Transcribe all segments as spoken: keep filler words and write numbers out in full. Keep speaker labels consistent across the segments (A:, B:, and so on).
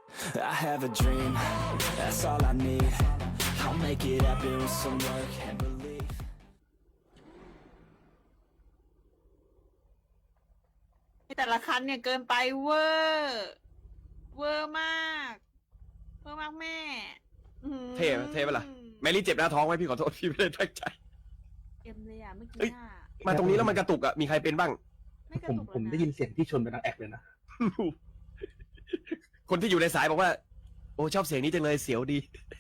A: I have a dream, that's all I need. I'll make it happen with some work and belief.
B: แต่ละคันเนี่ยเกินไปเวอร์เวอร์มากเวอร์มากแม่อื้อหือ
C: เท่เท่ปะล่ะแมรี่เจ็บหน้าท้องไหมพี่ขอโทษพี่ไม่ได้ตั้งใจ
B: เอ็มเลยอ่ะเมื่อกี้
C: เอ้ย
B: อ่ะ
C: มาตรงนี้แล้วมันกระตุกอ่ะมีใครเป็นบ้าง
B: ไม่กระ
D: ผม
B: ตุก
D: ผมได้ยินเสียงที่ชนเป็นดังแอกเลยนะ
C: คนที่อยู่ในสายบอกว่าโอ้ชอบเสียงนี้จังเลยเสียวดี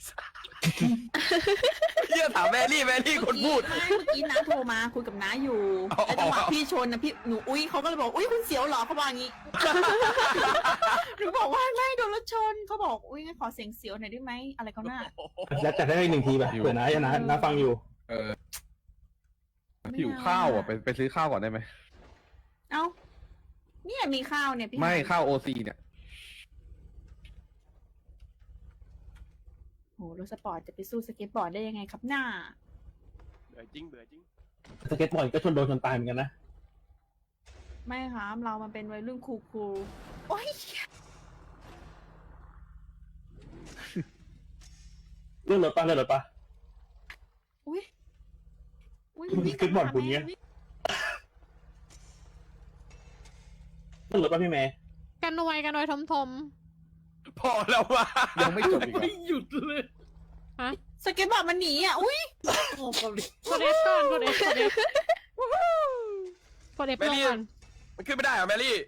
C: เฮียถามแมรี่แมรี่คนพูด
B: ไม่เมื่อกี้น้าโทรมาคุยกับน้าอยู่
C: อ๋อ
B: แล้วจังหวะพี่ชนนะพี่หนูอุ้ยเขาก็เลยบอกอุ้ยคุณเสียวเหรอเขาบอกอย่างงี้หนูบอกว่าไม่โดนรถชนเขาบอกอุ้ยงั้นขอเสียงเสียวหน่อยได้ไหมอะไรเขาหน้า
D: แล้วจัดได้อีกหนึ่งทีแบบเผื่อนะนะนะฟังอยู่
E: เออหิวข้าวอ่ะไปไปซื้อข้าวก่อนได้ไหม
B: เอ้าเนี่ยมีข้าวเนี่ยพี่
E: ไม่
B: หย
E: ข้าวโอซีเนี่ย
B: โหรถสปอร์ตจะไปสู้สเก็ตบอร์ดได้ยังไงครับหน้า
C: เบื่อจริงเบื่อจริง
D: สเก็ตบอร์ดก็ชนโดนชนตายเหมือนกันนะ
B: ไม่ครับเรามันเป็นวัยรุ่นคูลๆโอ้ย
D: เรื่องรถป้าเรื่องรถป้า
B: อุ้ยอุ้ย
D: สเก็ตบอร์ดคุณเนี้ย เรื่องรถป้าพี่เมย์
F: กันนวยกันนวยทมทม
C: พอแล้วว่ะ
E: ยังไม่จบอีกเหรอ
C: ไม่หยุดเลย
F: ฮะ
B: สเก็ตบอร์ดมันหนีอ่ะอุ้ย
F: กดเอฟก่อนกดเอฟกดเอฟกดเอฟ
C: แม
F: ลง
C: รี่
F: ก่อน
C: มันขึ้นไม่ได้เหรอแมรี่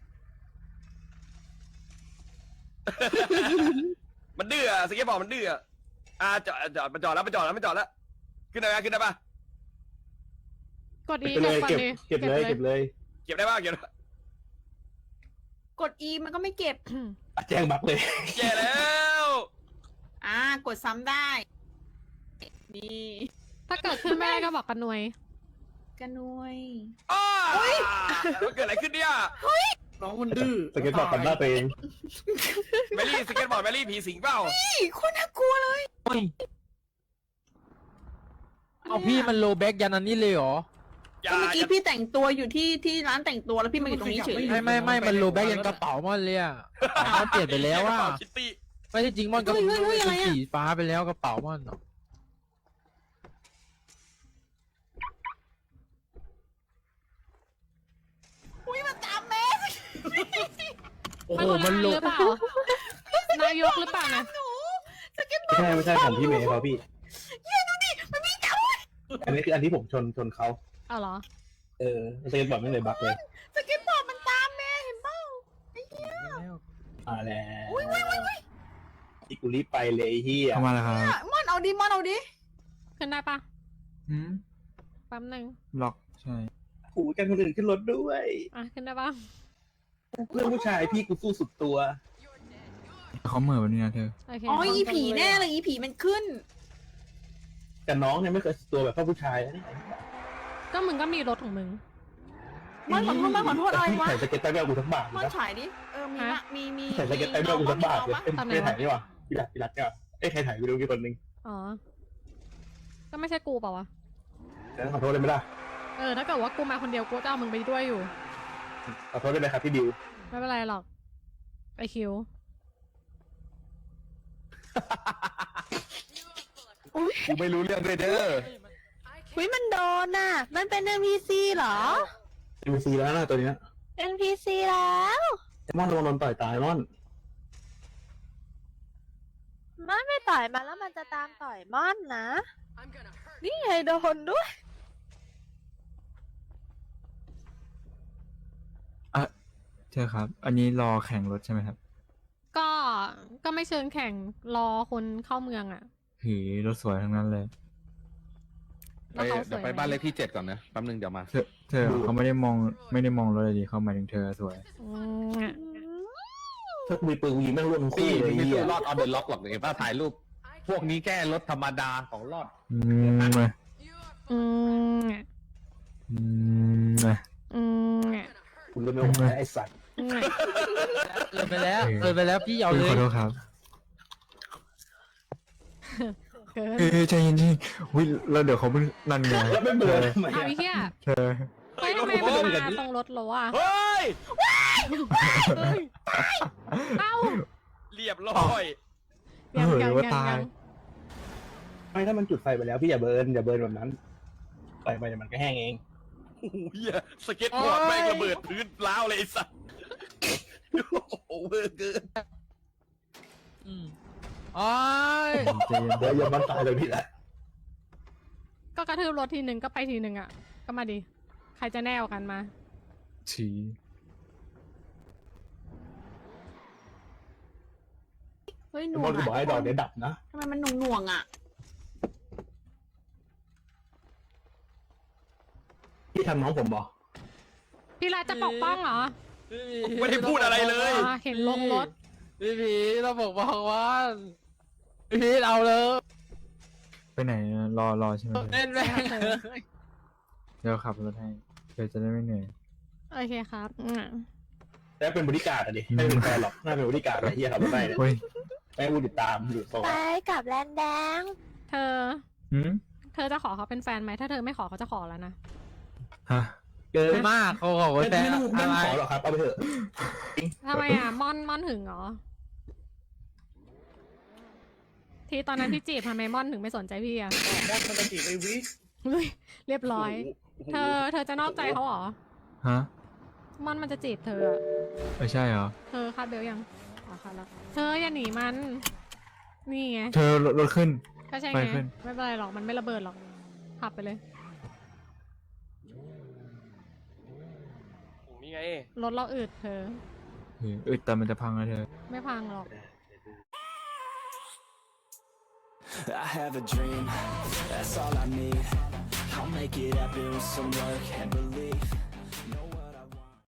C: มันดื้ออะสเก็ตบอร์ดมันดื้ออะอ่าจอดจอดมันจอดแล้วมันจอดแล้วมันจอดแล้วขึ้นได้ไหมขึ้นได้ปะ
F: กดอี
D: ไปเลย
F: ก่อน
D: เก็บ
F: ดิ
D: เก็บเลยเก็บเลย
C: เก็บได้ปะเก็บได้ปะ
B: กด E มันก็ไม่เก็บ
D: แจ้งบักเลย
C: แย่แล้ว
B: อ่ากดซ้ำได้นี่
F: ถ้าเกิดขึ้นไม่ได้ก็บอกกันนวย
B: กันนวย
C: อ้าแล้วเกิดอะไรขึ้นเนี่ย
G: น้องมันดื้อ
D: สเก็ตบอร์ดกันหน้าตัวเอง
C: แมรี่สเก็ตบอร์ดแมรี่ผีสิงเปล่า
B: นี่โคนน่ากลัวเลย
G: เอาพี่มันโลแบ็กยันอันนี้เลยเหรอ
C: อย่า
B: ก็เมื่อ
C: อ
B: กี้
C: ย่า
B: พี่แต่งตัวอยู่ที่ที่ร้านแต่งตัวแล้วพี่มาอยู่ตรงนี้เฉย
G: ไม่ไม่ไม่มันโลแบ็กยันกระเป๋ามันเลยอ่ะกระเป๋ามันเปลี่ยนไปแล้วอ่ะ
C: คิตตี้
G: ไม่ใช่จริงมันก็เป็นสีฟ้าไปแล้วกระเป๋ามัน
B: อุ้ยมันตามแม่
G: โอ้โห
F: มั
G: มัน น
F: ห
G: โล
F: รือเปล่านายกหรือเปล่านะ
B: หนูสเก็ตบอ
D: ไม่
B: ร์ด
D: ใช่ไม่ใช่ของพี่เมย์เขาพี่
B: เย้ดูดิมันมีจับ
D: อันนี้คืออันที่ผมชนชนเขา
F: เอาเหรอ
D: เออสเก็ตบอร์ดไม่เลยบักเลย
B: สเก็ตบอร์ดมันตามแม่เห็นเปล่า
D: มาแล้วอีกูรีบไปเลยเฮีย
H: เข้ามาแล้วครับ
B: มอนเอาดิมอนเอาดิ
F: ขึ้นได้ปะ
H: หืม
F: แป๊บหนึ่ง
H: ล็อกใช่
D: ขู่กันคนอื่นขึ้นรถด้วย
F: อ่ะขึ้นได้ปะ
D: เพื่อนผู้ชายพี่กูสู้สุดตัว
H: เขาเหม่อแบบนี้นะเธอ
F: โอเค
B: อ๋ออีผีแน่เลยอีผีมันขึ้น
D: แต่น้องเนี่ยไม่เคยสุดตัวแบบพ่อผู้ชายนะเนี่ย
F: ก็มึงก็มีรถของมึง
B: มอนขอโทษมอนขอโทษอะไรวะ
D: ใส่สเก็ตไต้ไม่เอากูทั้งบาท
B: มอน
D: นะ
B: ฉายดิเออมีนะมีมี
D: ใส่สเก็ตไต้ไม่เอากูทั้งบาทเลย
B: ปะ
D: เอ้ยไม่ถ่ายนี่หว่าพี่รัดพี่รัดเนี่ยเอ้ยใครถ่ายวิดีโอกี่คนนึง
F: อ๋อ ก็ไม่ใช่กูเปล่าวะ
D: แต่ขอโทษได้ไหมล่ะ
F: เออ ถ้าเกิดว่ากูมาคนเดียวกูจะเอามึงไปด้วยอยู่
D: ขอโทษได้ไหมครับพี่ดิว
F: ไม่เป็นไรหรอก ไอคิว
E: กูไม่รู้เรื่องด้วยเด้อ
I: วิมันโดนน่ะ มันเป็น เอ็น พี ซี เหรอ
D: เอ็มซีแล้วนะตัวเนี้ย
I: เอ็น พี ซี แล้ว
D: ไอ้มอนโดนโดนต่อยตายมอน
I: มันไม่ต่อยมาแล้วมันจะตามต่อยม่อนนะ นี่ไงโดนด้วย
H: อ่ะเธอครับ อันนี้รอแข่งรถใช่ไหมครับ
F: ก็ ก็ไม่เชิงแข่งรอคนเข้าเมืองอ่ะ
H: หือรถสวยทั้งนั้นเลย
E: ไป
F: แล้วเขาส
E: เดี๋ยว
F: วย
E: ไป
F: ไหม
E: บ้านเลขที่เจ็ดก่อนนะแป๊บนึงเดี๋ยวมา
H: เธอเธอเขาไม่ได้มองไม่ได้มองรถเลยดิเขาหมายถึงเธอสวย
F: อืมอะ
D: ถ้ากูมีปืนกูยิงแม่งร่วงทั้ง
E: พี่
D: คู่เลย
E: ไม่
D: เฮี
E: สู้
D: ย
E: รอดออนเดอะล็อกหรอกเห็นป่ะถ่ายรูป พวกนี้แค่รถธรรมดาของรอด
H: อืมมา
F: อืมอะ
H: อืมมา
F: อืมอะ
D: คุณก็ไม่ไหวไอ้สัตว์
F: อืมอะ
G: เลยไปแล้วเลยไปแล้วพี่เอา
H: เอ
G: เล
H: อย ขอโทษครับ
F: เกิน
H: เอ้ยใจเย็นๆวิแล้วเดี๋ยวเขาไม่นั่นไง
D: แล้วไม่เบื่อทำไม
F: เอาไอ้
D: อะ
F: เหี้ย
H: เธอ
F: ไปทำไมมันมาตรงรถเราอ่ะ
C: เฮ้ย
F: เอ้า
C: เรียบร้อย
F: ยัง
H: เออ
F: ยัง
H: ว่า
F: ยัง
H: ตาย
F: ยัง
D: ไม่ถ้ามันจุดไฟไปแล้วพี่อย่าเบิร์นอย่าเบิร์นแบบนั้นไฟไปเดี๋ยวมันก็แห้งเอง
C: โอ้โหเหี้ยสเก็ตบอร์ดแม่งระเบิดพื้นล้าวเลยไอ้สัสโอ้โหเวอร์เกิน
G: อืมโอ้ย
H: ใจเย็น
D: เดี๋ยวอย่ามันตายเลยพี่แหละ
F: ก็กระทืบรถทีหนึ่งก็ไปทีหนึ่งอ่ะ ก็มาดิ ใครจะแน่กว่ากันมา
H: ฉี
B: เฮ้ยห
D: ทุ
B: น่
D: ก
B: ว
D: ค
B: ง
D: นก็บอกให้ดอกเดี๋ยวดับนะ
B: ทำไมมันหน่วงหน่วงๆอ่ะ
D: พี่ทำน้องผมบอก
F: พี่รัฐจะปกป้องเหรอ
C: ไม่ได้พูดอะไรเลย
F: อ่าเห็นลงรถ
G: พี่พีเราบอกบอกว่าพี่พีเอาเลย
H: ไปไหนนะรอรอใช่ไหมเธอ
G: เล่นแม่งเลย
H: เดี๋ยวขับรถให้เธอจะได้ไม่เหนื่อย
F: โอเคครับอืม
D: แล้วเป็นบริการดอะดิไม่เป็นแฟนหรอกน่าเป็นบริการดไอ้เหี้ยขับรถได้เนี่ย
H: เฮ้ย
D: ไม่พูดติดตามหรือโซ่
I: ไปกับแลนแดง
F: เธอ
H: หืม
F: เธอจะขอเขาเป็นแฟนไหม ถ้าเธอไม่ขอเขาจะขอแล้วนะ
H: ฮะ
G: เกินมากเขาบอกว่า
D: ไม่
G: แต่
D: ไม่ต้องไม่
G: อะ
D: ต้อง
G: ไร
D: ขอหรอกครับเอาไปเถอะ
F: ทำไมอ่ะ ม่อนม่อนถึงเหรอ ที่ตอนนั้นพี่จีบทำไมม่อนถึงไม่สนใจพี่อ่ะ
D: มอดมันจะจีบไอ้วิ
F: อุ๊ยเรียบร้อย
C: โโห
F: เธอ เธอจะนอกใจเขาเหรอ
H: ฮะ
F: ม่อนมันจะจีบเธออะ
H: ไม่ใช่เหรอ
F: เธอคาดเบลยังอ๋อคาดแล้ว เธออย่าหนีมัน นี่ไง
H: เธอรถขึ้น
F: ก็ใช่
H: ไป
F: ไง
H: ขึ้น
F: ไม่เป็นไรหรอก มันไม่ระเบิดหรอก ขับไปเลย
C: นี่ไง
F: รถเราอืดเธอ
H: เอออึดแต่มันจะพังนะเธอ
F: ไม่พังหรอก
A: I have a dream, that's all I need. I'll make it happen with some work and belief.